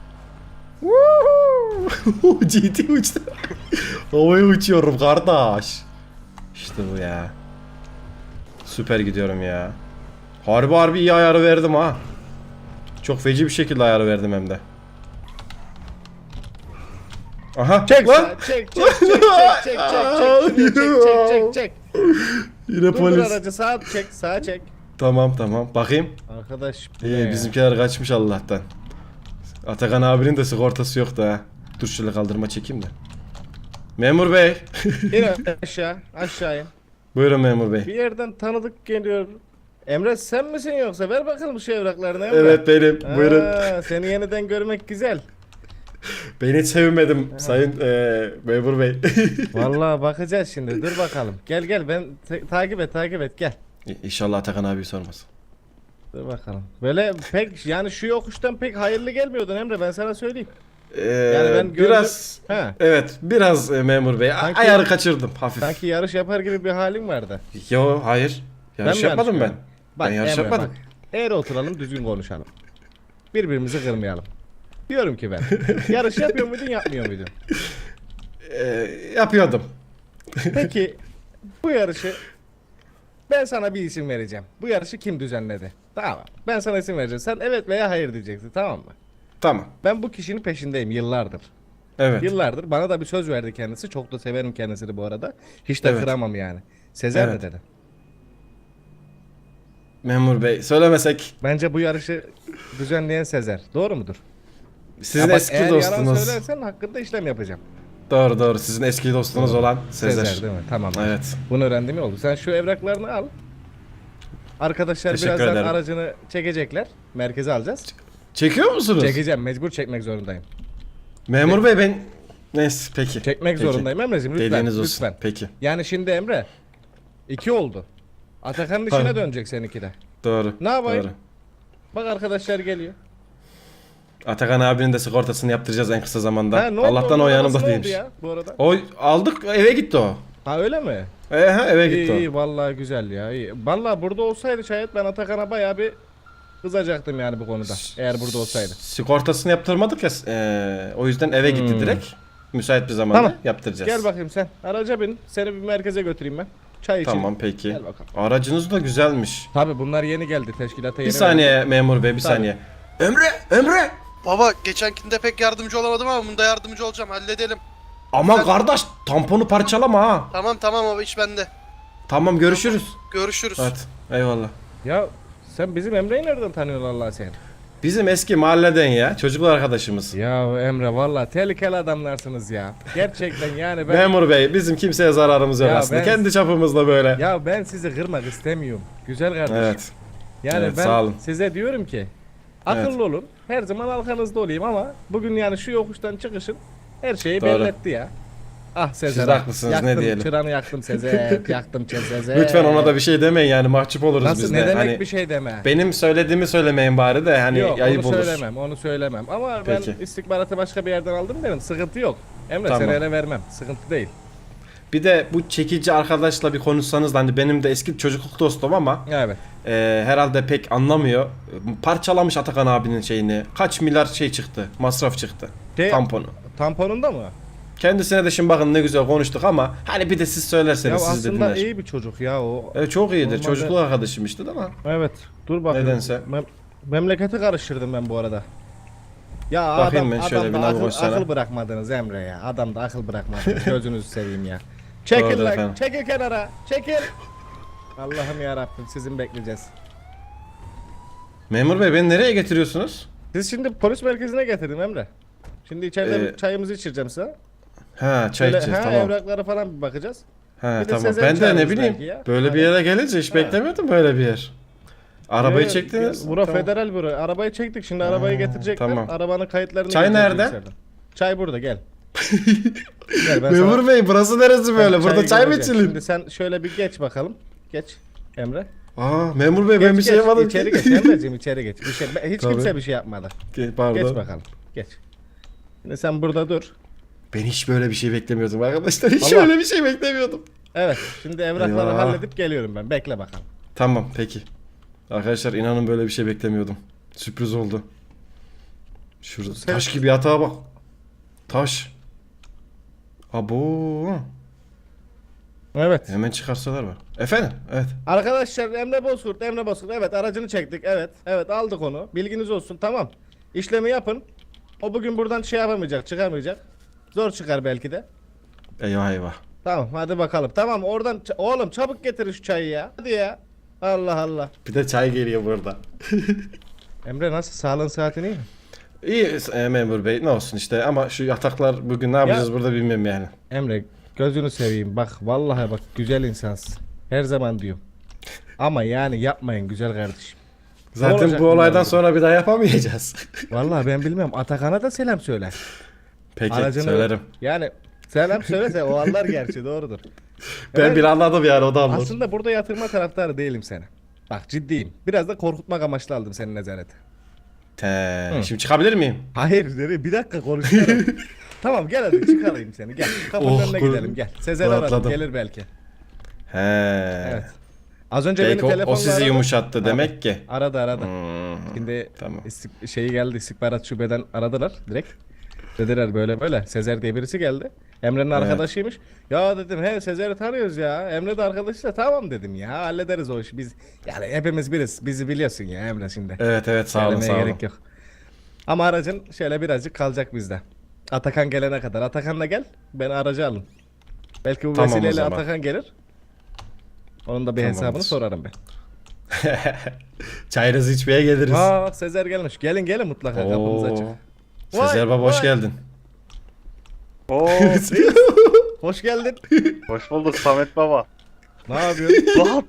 [SPEAKER 1] Woohoo! G T uçtu. Havaya uçuyorum kardeş. İşte bu ya. Süper gidiyorum ya. Harbi harbi iyi ayarı verdim ha. Çok feci bir şekilde ayarı verdim hem de. Aha.
[SPEAKER 3] Çek
[SPEAKER 1] lan.
[SPEAKER 3] çek çek çek çek çek çek çek çek çek çek çek.
[SPEAKER 1] Yine
[SPEAKER 3] Dur dur
[SPEAKER 1] polis.
[SPEAKER 3] aracı sağa çek sağa çek.
[SPEAKER 1] Tamam tamam. Bakayım.
[SPEAKER 3] Arkadaş bu ne
[SPEAKER 1] İyi,
[SPEAKER 3] ya?
[SPEAKER 1] bizimkiler kaçmış Allah'tan. Atakan abinin de sigortası yok da. Dur şöyle kaldırma çekeyim de. Memur bey.
[SPEAKER 3] İn aşağı aşağı in.
[SPEAKER 1] Buyurun memur bey.
[SPEAKER 3] Bir yerden tanıdık geliyor. Emre sen misin yoksa? Ver bakalım şu evraklarını Emre.
[SPEAKER 1] Evet benim.
[SPEAKER 3] Ha,
[SPEAKER 1] Buyurun.
[SPEAKER 3] seni yeniden görmek güzel.
[SPEAKER 1] Ben hiç sevinmedim sayın eee memur bey.
[SPEAKER 3] Vallahi bakacağız şimdi. Dur bakalım. Gel gel ben te- takip et takip et gel.
[SPEAKER 1] İnşallah Atakan abi sormaz.
[SPEAKER 3] Dur bakalım. Böyle pek yani şu yokuştan pek hayırlı gelmiyordun Emre ben sana söyleyeyim.
[SPEAKER 1] Eee
[SPEAKER 3] Yani ben gördüm-
[SPEAKER 1] biraz
[SPEAKER 3] Ha.
[SPEAKER 1] evet biraz e, memur bey a-
[SPEAKER 3] Sanki-
[SPEAKER 1] ayarı kaçırdım hafif.
[SPEAKER 3] Sanki yarış yapar gibi bir halin vardı.
[SPEAKER 1] Yo hayır. Yarış
[SPEAKER 3] mi
[SPEAKER 1] yapmadım ben.
[SPEAKER 3] yanlış gördüm? Bak,
[SPEAKER 1] Ben yarış
[SPEAKER 3] Emre,
[SPEAKER 1] yapmadım.
[SPEAKER 3] bak. Eğri oturalım düzgün konuşalım. Birbirimizi kırmayalım. Diyorum ki ben. Yarış yapıyor muydun yapmıyor muydun?
[SPEAKER 1] Eee, yapıyordum.
[SPEAKER 3] Peki bu yarışı ben sana bir isim vereceğim. Bu yarışı kim düzenledi? Tamam. Ben sana isim vereceğim. Sen evet veya hayır diyeceksin tamam mı?
[SPEAKER 1] Tamam.
[SPEAKER 3] Ben bu kişinin peşindeyim yıllardır.
[SPEAKER 1] Evet.
[SPEAKER 3] Yıllardır bana da bir söz verdi kendisi. Çok da severim kendisini bu arada. Hiç de
[SPEAKER 1] Evet.
[SPEAKER 3] kıramam yani. Sezer
[SPEAKER 1] Evet.
[SPEAKER 3] mi dedi?
[SPEAKER 1] Memur bey söylemesek
[SPEAKER 3] Bence bu yarışı düzenleyen Sezer. Doğru mudur?
[SPEAKER 1] sizin
[SPEAKER 3] Ya bak,
[SPEAKER 1] eski
[SPEAKER 3] eğer yalan
[SPEAKER 1] dostunuz.
[SPEAKER 3] söylersen hakkında işlem yapacağım.
[SPEAKER 1] Doğru doğru, sizin eski dostunuz olan Sezer.
[SPEAKER 3] Sezer değil mi? Tamam.
[SPEAKER 1] Evet.
[SPEAKER 3] Bunu öğrendim ya oldu. Sen şu evraklarını al. Arkadaşlar
[SPEAKER 1] Teşekkür
[SPEAKER 3] birazdan
[SPEAKER 1] ederim.
[SPEAKER 3] aracını çekecekler. Merkeze alacağız.
[SPEAKER 1] Çekiyor musunuz?
[SPEAKER 3] Çekeceğim. Mecbur çekmek zorundayım.
[SPEAKER 1] Memur bey ben Neyse peki.
[SPEAKER 3] Çekmek
[SPEAKER 1] Peki.
[SPEAKER 3] zorundayım Emre'ciğim lütfen.
[SPEAKER 1] Dediğiniz olsun.
[SPEAKER 3] Lütfen.
[SPEAKER 1] Peki.
[SPEAKER 3] Yani şimdi Emre iki oldu. Atakan'ın
[SPEAKER 1] Tabii.
[SPEAKER 3] işine dönecek seninki de.
[SPEAKER 1] Doğru.
[SPEAKER 3] Ne yapayım?
[SPEAKER 1] Doğru.
[SPEAKER 3] Bak arkadaşlar geliyor.
[SPEAKER 1] Atakan abinin de sigortasını yaptıracağız en kısa zamanda.
[SPEAKER 3] Ha, ne oldu?
[SPEAKER 1] Allah'tan o
[SPEAKER 3] Onun
[SPEAKER 1] yanımda
[SPEAKER 3] arası ne oldu
[SPEAKER 1] değilmiş.
[SPEAKER 3] ya bu arada?
[SPEAKER 1] O aldık eve gitti o.
[SPEAKER 3] Ha öyle mi?
[SPEAKER 1] E, ha, eve
[SPEAKER 3] İyi
[SPEAKER 1] gitti o.
[SPEAKER 3] iyi vallahi güzel ya. İyi. Vallahi burada olsaydı şayet ben Atakan'a bayağı bir kızacaktım yani bu konuda. Eğer burada olsaydı.
[SPEAKER 1] Sigortasını yaptırmadık ya. e, o yüzden eve gitti
[SPEAKER 3] Hmm.
[SPEAKER 1] direkt. Müsait bir zamanda
[SPEAKER 3] Tamam.
[SPEAKER 1] yaptıracağız.
[SPEAKER 3] Gel bakayım sen. Araca bin. Seni bir merkeze götüreyim ben. Çay için.
[SPEAKER 1] Tamam peki.
[SPEAKER 3] Gel bakalım.
[SPEAKER 1] Aracınız da güzelmiş.
[SPEAKER 3] Tabi bunlar yeni geldi teşkilata yeni.
[SPEAKER 1] Bir saniye memur bey bir
[SPEAKER 3] Tabii.
[SPEAKER 1] saniye. Emre Emre.
[SPEAKER 7] Baba geçenkinde pek yardımcı olamadım ama bunda yardımcı olacağım, halledelim.
[SPEAKER 1] Aman
[SPEAKER 7] Sen-
[SPEAKER 1] kardeş tamponu parçalama ha.
[SPEAKER 7] Tamam tamam baba, iş bende.
[SPEAKER 1] Tamam görüşürüz.
[SPEAKER 7] Görüşürüz.
[SPEAKER 1] Evet eyvallah.
[SPEAKER 3] Ya sen bizim Emre'yi nereden tanıyorsun Allah sen?
[SPEAKER 1] Bizim eski mahalleden ya çocuklar arkadaşımız.
[SPEAKER 3] Ya Emre valla tehlikeli adamlarsınız ya. Gerçekten yani ben
[SPEAKER 1] Memur bey bizim kimseye zararımız yok
[SPEAKER 3] Ya
[SPEAKER 1] aslında.
[SPEAKER 3] ben-
[SPEAKER 1] Kendi çapımızda böyle.
[SPEAKER 3] ya ben sizi kırmak istemiyorum. Güzel kardeşim.
[SPEAKER 1] Evet.
[SPEAKER 3] Yani
[SPEAKER 1] Evet,
[SPEAKER 3] ben
[SPEAKER 1] sağ olun.
[SPEAKER 3] size diyorum ki akıllı olun. Her zaman arkanızda olayım ama bugün yani şu yokuştan çıkışın her şeyi
[SPEAKER 1] Doğru.
[SPEAKER 3] belli etti ya. Ah Sezer.
[SPEAKER 1] Siz de haklısınız, ne
[SPEAKER 3] yaktım,
[SPEAKER 1] diyelim.
[SPEAKER 3] Çıranı yaktım Sezer. yaktım Sezer.
[SPEAKER 1] Lütfen ona da bir şey demeyin yani mahcup oluruz
[SPEAKER 3] Nasıl
[SPEAKER 1] biz
[SPEAKER 3] ne
[SPEAKER 1] de.
[SPEAKER 3] demek
[SPEAKER 1] Hani
[SPEAKER 3] bir şey deme.
[SPEAKER 1] benim söylediğimi söylemeyin bari de hani
[SPEAKER 3] Yok
[SPEAKER 1] ayıp
[SPEAKER 3] onu
[SPEAKER 1] olur.
[SPEAKER 3] söylemem onu söylemem ama
[SPEAKER 1] Peki.
[SPEAKER 3] ben istihbaratı başka bir yerden aldım derim sıkıntı yok. Emre
[SPEAKER 1] Tamam.
[SPEAKER 3] seni ele vermem sıkıntı değil.
[SPEAKER 1] Bir de bu çekici arkadaşla bir konuşsanız da hani benim de eski çocukluk dostum ama
[SPEAKER 3] Evet.
[SPEAKER 1] e, herhalde pek anlamıyor. Parçalamış Atakan abinin şeyini. Kaç milyar şey çıktı, masraf çıktı.
[SPEAKER 3] Şey,
[SPEAKER 1] Tamponu.
[SPEAKER 3] Tamponunda mı?
[SPEAKER 1] Kendisine de şimdi bakın ne güzel konuştuk ama hani bir de siz
[SPEAKER 3] Ya
[SPEAKER 1] söylerseniz siz de
[SPEAKER 3] aslında
[SPEAKER 1] dinler.
[SPEAKER 3] iyi bir çocuk ya o.
[SPEAKER 1] Evet, çok iyidir.
[SPEAKER 3] Normalde-
[SPEAKER 1] Çocukluk arkadaşım işte ama.
[SPEAKER 3] Evet. Dur bakayım.
[SPEAKER 1] Nedense.
[SPEAKER 3] Mem- memleketi karıştırdım ben bu arada. Ya
[SPEAKER 1] Bakayım
[SPEAKER 3] adam,
[SPEAKER 1] ben şöyle
[SPEAKER 3] adamda
[SPEAKER 1] bir
[SPEAKER 3] akıl,
[SPEAKER 1] navigasyona.
[SPEAKER 3] akıl bırakmadınız Emre ya. Adamda akıl bırakmadınız. Gözünüzü seveyim ya. Çekil
[SPEAKER 1] Doğrudur
[SPEAKER 3] lan.
[SPEAKER 1] efendim.
[SPEAKER 3] Çekil kenara. Çekil. Allah'ım ya Rabbim sizin bekleyeceğiz.
[SPEAKER 1] Memur bey beni nereye getiriyorsunuz?
[SPEAKER 3] Siz şimdi polis merkezine getirdim Emre. Şimdi içeride
[SPEAKER 1] Ee,
[SPEAKER 3] bir çayımızı içireceğim size.
[SPEAKER 1] Ha çay
[SPEAKER 3] Şöyle,
[SPEAKER 1] içeceğiz
[SPEAKER 3] ha,
[SPEAKER 1] tamam.
[SPEAKER 3] evraklara falan bir bakacağız.
[SPEAKER 1] Ha
[SPEAKER 3] bir de
[SPEAKER 1] tamam.
[SPEAKER 3] Sezen
[SPEAKER 1] Ben de ne
[SPEAKER 3] çağırırız
[SPEAKER 1] bileyim.
[SPEAKER 3] belki ya.
[SPEAKER 1] Böyle bir
[SPEAKER 3] Hani-
[SPEAKER 1] yere gelince hiç
[SPEAKER 3] Ha.
[SPEAKER 1] beklemiyordum böyle bir yer. Arabayı
[SPEAKER 3] Ee,
[SPEAKER 1] çektiniz.
[SPEAKER 3] Bura
[SPEAKER 1] Tamam.
[SPEAKER 3] federal bura. Arabayı çektik şimdi arabayı getirecekler.
[SPEAKER 1] tamam.
[SPEAKER 3] Arabanın kayıtlarını
[SPEAKER 1] Çay
[SPEAKER 3] gireceğiz
[SPEAKER 1] nerede?
[SPEAKER 3] bilgisayardan. Çay burada gel. Gel ben
[SPEAKER 1] Memur
[SPEAKER 3] sana-
[SPEAKER 1] bey burası neresi böyle?
[SPEAKER 3] Ben
[SPEAKER 1] Burada çay mı
[SPEAKER 3] göreceğim.
[SPEAKER 1] içilir?
[SPEAKER 3] Şimdi sen şöyle bir geç bakalım. Geç Emre.
[SPEAKER 1] Aa memur bey
[SPEAKER 3] Geç,
[SPEAKER 1] ben bir şey
[SPEAKER 3] geç,
[SPEAKER 1] yapmadım.
[SPEAKER 3] İçeri
[SPEAKER 1] ki.
[SPEAKER 3] geç Emre'ciğim içeri geç. Bir şey, hiç
[SPEAKER 1] Tabii.
[SPEAKER 3] kimse bir şey yapmadı.
[SPEAKER 1] Ge- Pardon.
[SPEAKER 3] Geç bakalım. Geç. Şimdi sen burada dur.
[SPEAKER 1] Ben hiç böyle bir şey beklemiyordum arkadaşlar. Hiç
[SPEAKER 3] Allah.
[SPEAKER 1] öyle bir şey beklemiyordum.
[SPEAKER 3] Evet. Şimdi evrakları
[SPEAKER 1] Eyvah.
[SPEAKER 3] halledip geliyorum ben. Bekle bakalım.
[SPEAKER 1] Tamam peki. Arkadaşlar inanın böyle bir şey beklemiyordum. Sürpriz oldu. Şurada
[SPEAKER 3] Sen-
[SPEAKER 1] taş gibi yatağa bak. Taş. Abo.
[SPEAKER 3] Evet.
[SPEAKER 1] Hemen çıkarsalar var. Efendim? Evet.
[SPEAKER 3] Arkadaşlar Emre Bozkurt, Emre Bozkurt. Evet aracını çektik. Evet. Evet aldık onu. Bilginiz olsun. Tamam. İşlemi yapın. O bugün buradan şey yapamayacak, çıkamayacak. Zor çıkar belki de.
[SPEAKER 1] Eyvah eyvah.
[SPEAKER 3] Tamam hadi bakalım. Tamam oradan ç- oğlum çabuk getirin şu çayı ya. Hadi ya. Allah Allah.
[SPEAKER 1] Bir de çay geliyor burada.
[SPEAKER 3] Emre nasıl sağlığın saatin iyi mi?
[SPEAKER 1] İyi e, memur bey ne olsun işte ama şu yataklar bugün ne yapacağız burada bilmiyorum yani.
[SPEAKER 3] Emre gözünü seveyim bak vallahi bak güzel insansın. Her zaman diyorum. Ama yani yapmayın güzel kardeşim.
[SPEAKER 1] Zaten
[SPEAKER 3] olacak
[SPEAKER 1] bu olaydan
[SPEAKER 3] bunlar?
[SPEAKER 1] sonra bir daha yapamayacağız.
[SPEAKER 3] Vallahi ben bilmem Atakan'a da selam söyle.
[SPEAKER 1] Peki
[SPEAKER 3] Aracını-
[SPEAKER 1] söylerim.
[SPEAKER 3] Yani selam söylese o anlar gerçi doğrudur.
[SPEAKER 1] Ben
[SPEAKER 3] Evet,
[SPEAKER 1] bir anladım yani o da anlar.
[SPEAKER 3] aslında burada yatırma taraftarı değilim seni. Bak ciddiyim. Biraz da korkutmak amaçlı aldım senin nezarete.
[SPEAKER 1] Te,
[SPEAKER 3] Hı.
[SPEAKER 1] şimdi çıkabilir miyim?
[SPEAKER 3] Hayır nereye? Bir dakika konuşuyorum. Tamam gel hadi çıkarayım seni gel. Kapının
[SPEAKER 1] Oh,
[SPEAKER 3] önüne
[SPEAKER 1] kur-
[SPEAKER 3] gidelim gel. Sezer aradım
[SPEAKER 1] rahatladım.
[SPEAKER 3] gelir belki.
[SPEAKER 1] He.
[SPEAKER 3] Evet. Az önce
[SPEAKER 1] Belki
[SPEAKER 3] beni
[SPEAKER 1] o,
[SPEAKER 3] telefonla
[SPEAKER 1] o sizi
[SPEAKER 3] aradı.
[SPEAKER 1] yumuşattı
[SPEAKER 3] Tabii.
[SPEAKER 1] demek ki.
[SPEAKER 3] Aradı aradı.
[SPEAKER 1] Hmm.
[SPEAKER 3] Şimdi
[SPEAKER 1] Tamam.
[SPEAKER 3] istik- şeyi geldi istihbarat şubeden aradılar direkt. Dediler böyle böyle Sezer diye birisi geldi. Emre'nin
[SPEAKER 1] Evet.
[SPEAKER 3] arkadaşıymış. Ya dedim he Sezer'i tanıyoruz ya. Emre de arkadaşıysa tamam dedim ya hallederiz o işi. Biz yani hepimiz biriz. Bizi biliyorsun ya Emre şimdi.
[SPEAKER 1] Evet evet sağ olun
[SPEAKER 3] Söylemeye
[SPEAKER 1] sağ olun.
[SPEAKER 3] gerek yok. Ama aracın şöyle birazcık kalacak bizde. Atakan gelene kadar. Atakan'la gel. Ben aracı alın. Belki bu
[SPEAKER 1] Tamam o
[SPEAKER 3] vesileyle
[SPEAKER 1] zaman.
[SPEAKER 3] Atakan gelir. Onun da bir
[SPEAKER 1] Tamamdır.
[SPEAKER 3] hesabını sorarım ben.
[SPEAKER 1] Çayınızı içmeye geliriz.
[SPEAKER 3] Aa Sezer gelmiş. Gelin gelin mutlaka kapımız
[SPEAKER 1] Oo.
[SPEAKER 3] açık.
[SPEAKER 1] Sezer
[SPEAKER 3] Vay,
[SPEAKER 1] baba hoş
[SPEAKER 3] vay.
[SPEAKER 1] geldin.
[SPEAKER 2] Oo,
[SPEAKER 3] Hoş geldin.
[SPEAKER 2] hoş bulduk Samet baba.
[SPEAKER 3] Ne yapıyorsun?
[SPEAKER 2] Rahat.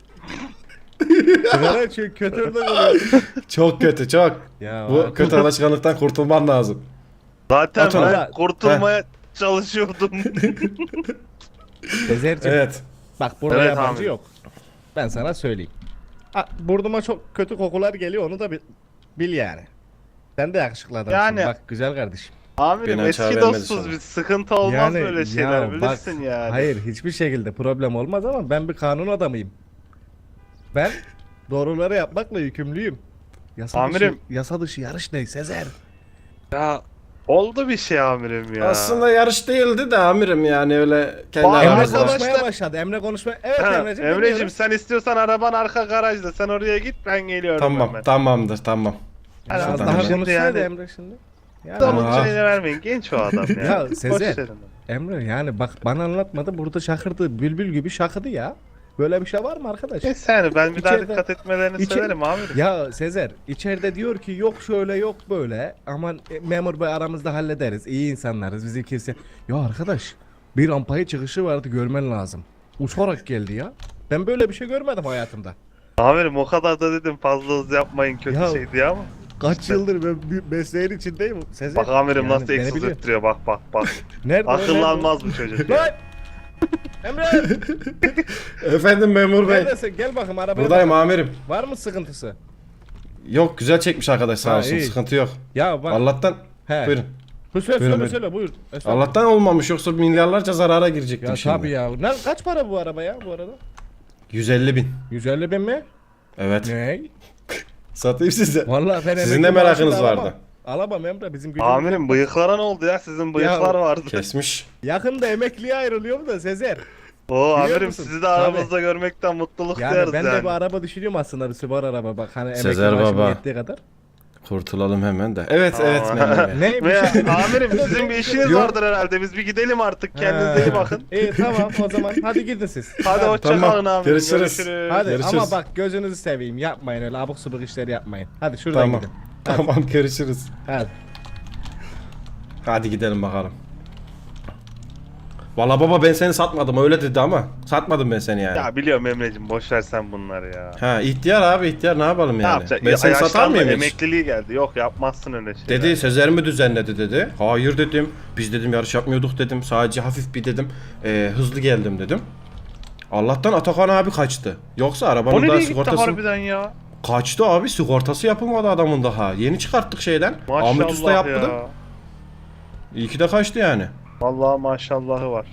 [SPEAKER 3] Sigara içiyor kötü örnek oluyor.
[SPEAKER 1] Çok kötü çok.
[SPEAKER 3] Ya
[SPEAKER 1] Bu
[SPEAKER 3] var.
[SPEAKER 1] kötü alışkanlıktan kurtulman lazım.
[SPEAKER 2] Zaten
[SPEAKER 1] Atın.
[SPEAKER 2] ben
[SPEAKER 3] Valla-
[SPEAKER 2] kurtulmaya çalışıyordum.
[SPEAKER 3] Sezer'cim
[SPEAKER 1] Evet.
[SPEAKER 3] bak burada
[SPEAKER 2] Evet,
[SPEAKER 3] yabancı
[SPEAKER 2] amirim.
[SPEAKER 3] yok. Ben sana söyleyeyim. Ha, burnuma çok kötü kokular geliyor onu da bil, bil yani. Sen de yakışıklı adamsın
[SPEAKER 2] Yani-
[SPEAKER 3] bak güzel kardeşim.
[SPEAKER 2] Amirim
[SPEAKER 1] Beni açığa
[SPEAKER 2] eski
[SPEAKER 1] vermedi
[SPEAKER 2] dostuz
[SPEAKER 1] sana.
[SPEAKER 2] biz. Sıkıntı olmaz
[SPEAKER 3] Yani,
[SPEAKER 2] böyle şeyler
[SPEAKER 3] ya
[SPEAKER 2] bilirsin
[SPEAKER 3] bak,
[SPEAKER 2] yani.
[SPEAKER 3] Hayır hiçbir şekilde problem olmaz ama ben bir kanun adamıyım. Ben doğruları yapmakla yükümlüyüm. Yasa
[SPEAKER 2] Amirim.
[SPEAKER 3] dışı, yasa dışı yarış ne Sezer?
[SPEAKER 2] Ya oldu bir şey amirim ya.
[SPEAKER 1] Aslında yarış değildi de amirim yani öyle kendi
[SPEAKER 2] Vay,
[SPEAKER 3] Emre
[SPEAKER 1] aramızda.
[SPEAKER 2] arkadaş-
[SPEAKER 3] konuşmaya başladı. Emre konuşmaya. Evet
[SPEAKER 2] Ha,
[SPEAKER 3] Emre'cim.
[SPEAKER 2] Emre'cim
[SPEAKER 3] dinliyorum.
[SPEAKER 2] sen istiyorsan araban arka garajda. Sen oraya git ben geliyorum
[SPEAKER 1] Tamam
[SPEAKER 2] hemen.
[SPEAKER 1] tamamdır tamam.
[SPEAKER 2] Yani
[SPEAKER 3] Az
[SPEAKER 1] Şuradan
[SPEAKER 3] daha
[SPEAKER 1] hemen.
[SPEAKER 3] konuşsaydı
[SPEAKER 2] Yani-
[SPEAKER 3] Emre şimdi. Yani,
[SPEAKER 2] Adamın
[SPEAKER 1] Aa.
[SPEAKER 2] şeyini vermeyin. Genç o adam ya.
[SPEAKER 3] Ya,
[SPEAKER 2] Boş
[SPEAKER 3] Sezer.
[SPEAKER 2] verin.
[SPEAKER 3] Emre yani bak bana anlatmadı burada şakırdı bülbül gibi şakıdı ya. Böyle bir şey var mı arkadaş?
[SPEAKER 2] Neyse yani ben bir daha
[SPEAKER 3] İçeride-
[SPEAKER 2] dikkat etmelerini
[SPEAKER 3] İçe-
[SPEAKER 2] söylerim amirim.
[SPEAKER 3] Ya Sezer içeride diyor ki yok şöyle yok böyle aman e, memur bey aramızda hallederiz iyi insanlarız bizi kimse. Ya arkadaş bir rampaya çıkışı vardı görmen lazım. Uçarak geldi ya. Ben böyle bir şey görmedim hayatımda.
[SPEAKER 2] Amirim o kadar da dedim fazla hız yapmayın kötü
[SPEAKER 3] Ya-
[SPEAKER 2] şey diye ama.
[SPEAKER 3] Kaç yıldır ben bir mesleğin içindeyim Sezer.
[SPEAKER 2] Bak amirim
[SPEAKER 3] Yani
[SPEAKER 2] nasıl
[SPEAKER 3] beni
[SPEAKER 2] egzoz
[SPEAKER 3] biliyor.
[SPEAKER 2] ettiriyor bak bak bak.
[SPEAKER 3] Nerede o, nerede o?
[SPEAKER 2] Akıllanmaz bu çocuk
[SPEAKER 3] Lan!
[SPEAKER 2] ya.
[SPEAKER 3] Emre!
[SPEAKER 1] Efendim memur bey.
[SPEAKER 3] Neredesin? Gel bakayım arabaya.
[SPEAKER 1] Buradayım
[SPEAKER 3] bak.
[SPEAKER 1] amirim.
[SPEAKER 3] Var mı sıkıntısı?
[SPEAKER 1] Yok güzel çekmiş arkadaş sağ
[SPEAKER 3] Ha,
[SPEAKER 1] olsun
[SPEAKER 3] iyi.
[SPEAKER 1] sıkıntı yok.
[SPEAKER 3] Ya bak.
[SPEAKER 1] Allah'tan
[SPEAKER 3] He.
[SPEAKER 1] buyurun.
[SPEAKER 3] Bu söyle
[SPEAKER 1] Buyurun,
[SPEAKER 3] söyle
[SPEAKER 1] buyurun.
[SPEAKER 3] söyle buyur. Estağfurullah.
[SPEAKER 1] Allah'tan olmamış yoksa milyarlarca zarara girecektim
[SPEAKER 3] Ya
[SPEAKER 1] şimdi.
[SPEAKER 3] tabii ya. Ne, kaç para bu araba ya bu arada?
[SPEAKER 1] yüz elli bin.
[SPEAKER 3] yüz elli bin mi?
[SPEAKER 1] Evet.
[SPEAKER 3] Ne?
[SPEAKER 1] Satayım size.
[SPEAKER 3] Vallahi ben
[SPEAKER 1] Sizin
[SPEAKER 3] emekli
[SPEAKER 1] de merakınız
[SPEAKER 3] maaşını alamam.
[SPEAKER 1] vardı.
[SPEAKER 3] Alamam Emre bizim gücümüz.
[SPEAKER 2] Amirim bıyıklara ne oldu ya? Sizin bıyıklar vardı.
[SPEAKER 1] Kesmiş.
[SPEAKER 3] Yakında emekliye ayrılıyorum da Sezer.
[SPEAKER 2] Oo
[SPEAKER 3] Biliyor
[SPEAKER 2] amirim
[SPEAKER 3] musun?
[SPEAKER 2] sizi de aramızda görmekten mutluluk
[SPEAKER 3] Yani
[SPEAKER 2] duyarız
[SPEAKER 3] ben
[SPEAKER 2] yani.
[SPEAKER 3] de bir araba düşünüyorum aslında bir Subaru araba bak hani emekli
[SPEAKER 1] Sezer
[SPEAKER 3] maaşım
[SPEAKER 1] baba.
[SPEAKER 3] yettiği kadar.
[SPEAKER 1] Kurtulalım hemen de. Evet
[SPEAKER 2] Aa.
[SPEAKER 1] evet memur bey.
[SPEAKER 3] Ne bir
[SPEAKER 2] Ve
[SPEAKER 3] şey.
[SPEAKER 2] amirim sizin bir işiniz
[SPEAKER 1] Yok.
[SPEAKER 2] vardır herhalde. Biz bir gidelim artık. Kendinize iyi bakın.
[SPEAKER 3] İyi tamam o zaman hadi gidin siz.
[SPEAKER 2] Hadi hoşça
[SPEAKER 1] Tamam,
[SPEAKER 2] kalın amirim.
[SPEAKER 1] görüşürüz.
[SPEAKER 2] Görüşürüz.
[SPEAKER 3] Hadi
[SPEAKER 1] Görüşürüz.
[SPEAKER 3] ama bak gözünüzü seveyim yapmayın öyle abuk subuk işleri yapmayın. Hadi şuradan
[SPEAKER 1] Tamam.
[SPEAKER 3] gidin.
[SPEAKER 1] Tamam görüşürüz.
[SPEAKER 3] Hadi.
[SPEAKER 1] Hadi gidelim bakalım. Valla baba ben seni satmadım öyle dedi ama satmadım ben seni yani.
[SPEAKER 2] Ya biliyorum Emre'cim boş ver sen bunları ya.
[SPEAKER 1] Ha ihtiyar abi ihtiyar ne yapalım
[SPEAKER 2] Ne
[SPEAKER 1] yani?
[SPEAKER 2] yapacak?
[SPEAKER 1] Ben
[SPEAKER 2] Ya,
[SPEAKER 1] seni satar
[SPEAKER 2] yaşlandı,
[SPEAKER 1] mıyım hiç?
[SPEAKER 2] emekliliği geldi. Yok yapmazsın öyle şeyler.
[SPEAKER 1] Dedi Sezer mi düzenledi dedi. Hayır dedim. Biz dedim yarış yapmıyorduk dedim. Sadece hafif bir dedim. e, hızlı geldim dedim. Allah'tan Atakan abi kaçtı. Yoksa
[SPEAKER 2] O
[SPEAKER 1] arabanın daha
[SPEAKER 2] nereye gitti
[SPEAKER 1] sigortası...
[SPEAKER 2] harbiden ya?
[SPEAKER 1] Kaçtı abi sigortası yapılmadı adamın daha. Yeni çıkarttık şeyden.
[SPEAKER 2] Maşallah
[SPEAKER 1] Ahmet Usta yaptı.
[SPEAKER 2] ya.
[SPEAKER 1] İyi ki de kaçtı yani.
[SPEAKER 2] Vallahi maşallahı var.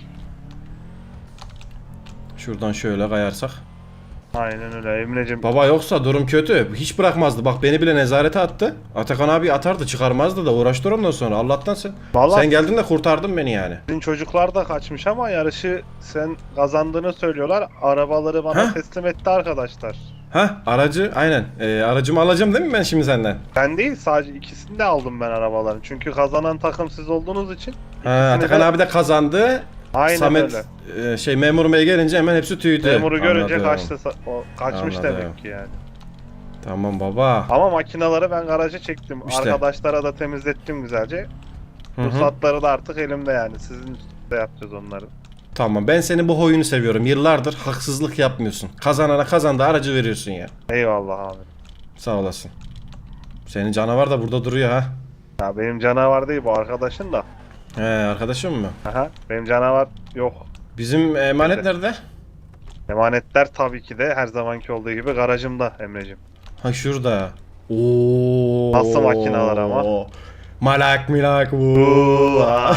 [SPEAKER 1] Şuradan şöyle kayarsak.
[SPEAKER 2] Aynen öyle Emre'cim.
[SPEAKER 1] Baba yoksa durum kötü. Hiç bırakmazdı. Bak beni bile nezarete attı. Atakan abi atardı çıkarmazdı da uğraştır ondan sonra. Allah'tan sen.
[SPEAKER 2] Vallahi
[SPEAKER 1] Sen geldin de kurtardın beni yani.
[SPEAKER 2] sizin çocuklar da kaçmış ama yarışı sen kazandığını söylüyorlar. Arabaları bana
[SPEAKER 1] Heh.
[SPEAKER 2] teslim etti arkadaşlar.
[SPEAKER 1] Ha aracı aynen. Ee, aracımı alacağım değil mi ben şimdi senden?
[SPEAKER 2] Ben değil sadece ikisini de aldım ben arabaların. Çünkü kazanan takım siz olduğunuz için.
[SPEAKER 1] Ha,
[SPEAKER 2] İkisini
[SPEAKER 1] Atakan
[SPEAKER 2] de-
[SPEAKER 1] abi de kazandı.
[SPEAKER 2] Aynen
[SPEAKER 1] Samet
[SPEAKER 2] öyle.
[SPEAKER 1] e, şey memur bey gelince hemen hepsi tüydü.
[SPEAKER 2] Memuru görünce
[SPEAKER 1] Anladım.
[SPEAKER 2] kaçtı. sa- O kaçmış
[SPEAKER 1] Anladım.
[SPEAKER 2] demek ki yani.
[SPEAKER 1] Tamam baba.
[SPEAKER 2] Ama makinaları ben garaja çektim.
[SPEAKER 1] İşte.
[SPEAKER 2] Arkadaşlara da temizlettim güzelce.
[SPEAKER 1] Hı hı.
[SPEAKER 2] Ruhsatları da artık elimde yani. Sizin de yapacağız onları.
[SPEAKER 1] Tamam ben senin bu huyunu seviyorum. Yıllardır haksızlık yapmıyorsun. Kazanana kazandı aracı veriyorsun ya.
[SPEAKER 2] Eyvallah abi.
[SPEAKER 1] Sağ olasın. Senin canavar da burada duruyor ha.
[SPEAKER 2] Ya benim canavar değil bu arkadaşın da.
[SPEAKER 1] He arkadaşım mı?
[SPEAKER 2] Aha, benim canavar yok.
[SPEAKER 1] Bizim emanet
[SPEAKER 2] Evet.
[SPEAKER 1] nerede?
[SPEAKER 2] Emanetler tabii ki de her zamanki olduğu gibi garajımda Emre'cim.
[SPEAKER 1] Ha şurada. Oo.
[SPEAKER 2] Nasıl makineler ama?
[SPEAKER 1] Malak milak bu.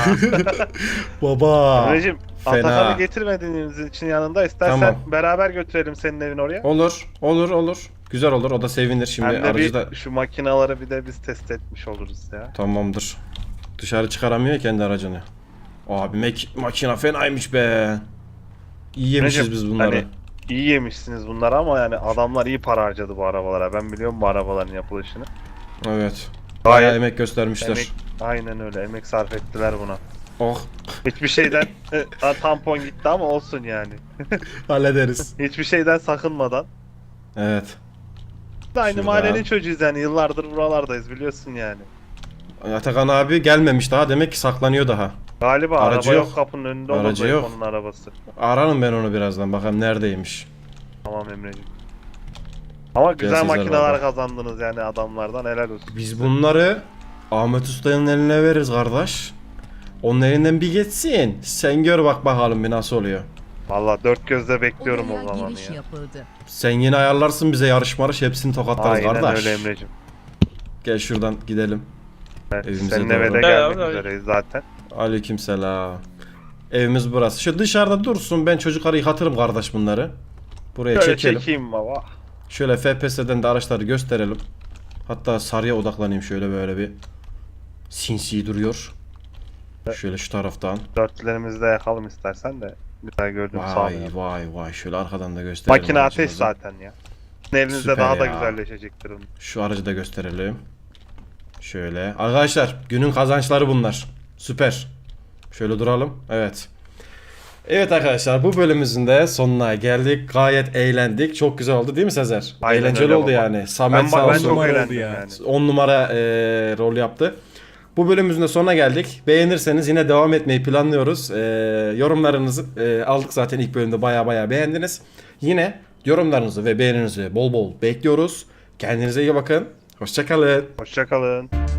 [SPEAKER 1] Baba.
[SPEAKER 2] Emre'cim
[SPEAKER 1] fena.
[SPEAKER 2] Atakan'ı getirmediğiniz için yanında istersen
[SPEAKER 1] Tamam.
[SPEAKER 2] beraber götürelim senin evin oraya.
[SPEAKER 1] Olur, olur, olur. Güzel olur. O da sevinir şimdi
[SPEAKER 2] Hem de
[SPEAKER 1] aracı
[SPEAKER 2] bir
[SPEAKER 1] da.
[SPEAKER 2] şu makinaları bir de biz test etmiş oluruz ya.
[SPEAKER 1] Tamamdır. Dışarı çıkaramıyor kendi aracını. Abi mek makina fenaymış be. İyi yemişiz
[SPEAKER 2] Emre'cim,
[SPEAKER 1] biz bunları.
[SPEAKER 2] hani iyi yemişsiniz bunları ama yani adamlar iyi para harcadı bu arabalara. Ben biliyorum bu arabaların yapılışını.
[SPEAKER 1] Evet.
[SPEAKER 2] Gayet
[SPEAKER 1] Bayağı emek göstermişler.
[SPEAKER 2] Emek, aynen öyle emek sarf ettiler buna.
[SPEAKER 1] Oh,
[SPEAKER 2] Hiçbir şeyden Ha, tampon gitti ama olsun yani.
[SPEAKER 1] hallederiz.
[SPEAKER 2] Hiçbir şeyden sakınmadan.
[SPEAKER 1] Evet.
[SPEAKER 2] Biz de aynı
[SPEAKER 1] Şurada.
[SPEAKER 2] mahallenin çocuğuyuz yani yıllardır buralardayız biliyorsun yani.
[SPEAKER 1] Atakan abi gelmemiş daha. Demek ki saklanıyor daha.
[SPEAKER 2] Galiba
[SPEAKER 1] Aracı
[SPEAKER 2] araba
[SPEAKER 1] yok.
[SPEAKER 2] yok kapının önünde
[SPEAKER 1] Aracı
[SPEAKER 2] olur
[SPEAKER 1] yok.
[SPEAKER 2] onun arabası.
[SPEAKER 1] Ararım ben onu birazdan. Bakalım neredeymiş.
[SPEAKER 2] Tamam Emre'ciğim. Ama güzel
[SPEAKER 1] Sezer
[SPEAKER 2] makineler
[SPEAKER 1] baba.
[SPEAKER 2] kazandınız yani adamlardan helal olsun.
[SPEAKER 1] Biz bunları Ahmet Usta'nın eline veririz kardeş. Onun elinden bir geçsin. Sen gör bak bakalım bir nasıl oluyor.
[SPEAKER 2] Valla dört gözle bekliyorum o
[SPEAKER 8] Odaya
[SPEAKER 2] zaman
[SPEAKER 8] giriş
[SPEAKER 2] ya.
[SPEAKER 8] yapıldı.
[SPEAKER 1] Sen yine ayarlarsın bize yarış marış hepsini tokatlarız
[SPEAKER 2] Aynen
[SPEAKER 1] kardeş.
[SPEAKER 2] öyle Emre'cim.
[SPEAKER 1] Gel şuradan gidelim.
[SPEAKER 2] Evet,
[SPEAKER 1] Evimize
[SPEAKER 2] senin
[SPEAKER 1] doğru.
[SPEAKER 2] eve de
[SPEAKER 4] Ya,
[SPEAKER 2] gelmek
[SPEAKER 4] ya, ya.
[SPEAKER 2] üzereyiz zaten.
[SPEAKER 1] Aleykümselam. Evimiz burası. Şu dışarıda dursun, ben çocukları yıkatırım kardeş bunları. Buraya
[SPEAKER 2] Şöyle
[SPEAKER 1] çekelim.
[SPEAKER 2] çekeyim baba.
[SPEAKER 1] Şöyle F P S'den de araçları gösterelim. Hatta sarıya odaklanayım şöyle böyle bir. Sinsi duruyor. Şöyle şu taraftan.
[SPEAKER 2] Dörtlerimizi de yakalım istersen de. Güzel gördüm
[SPEAKER 1] Vay
[SPEAKER 2] sağlayalım.
[SPEAKER 1] vay vay. Şöyle arkadan da gösterelim.
[SPEAKER 2] Makine ateş
[SPEAKER 1] aracımızı.
[SPEAKER 2] zaten ya. Evinizde
[SPEAKER 1] Süper
[SPEAKER 2] daha da
[SPEAKER 1] ya.
[SPEAKER 2] güzelleşecektir onun.
[SPEAKER 1] Şu aracı da gösterelim. Şöyle. Arkadaşlar günün kazançları bunlar. Süper. Şöyle duralım. Evet. Evet arkadaşlar bu bölümümüzün de sonuna geldik. Gayet eğlendik. Çok güzel oldu değil mi Sezer?
[SPEAKER 2] Aynen
[SPEAKER 1] Eğlenceli
[SPEAKER 2] öyle
[SPEAKER 1] oldu
[SPEAKER 2] baba.
[SPEAKER 1] yani. Samet
[SPEAKER 2] Ben,
[SPEAKER 1] sağ
[SPEAKER 2] ben
[SPEAKER 1] olsun.
[SPEAKER 2] çok
[SPEAKER 3] oldu
[SPEAKER 2] eğlendim
[SPEAKER 3] ya.
[SPEAKER 2] yani.
[SPEAKER 1] on numara e, rol yaptı. Bu bölümümüzün de sonuna geldik. Beğenirseniz yine devam etmeyi planlıyoruz. E, yorumlarınızı e, aldık zaten ilk bölümde baya baya beğendiniz. Yine yorumlarınızı ve beğeninizi bol bol bekliyoruz. Kendinize iyi bakın. Hoşçakalın.
[SPEAKER 2] Hoşçakalın.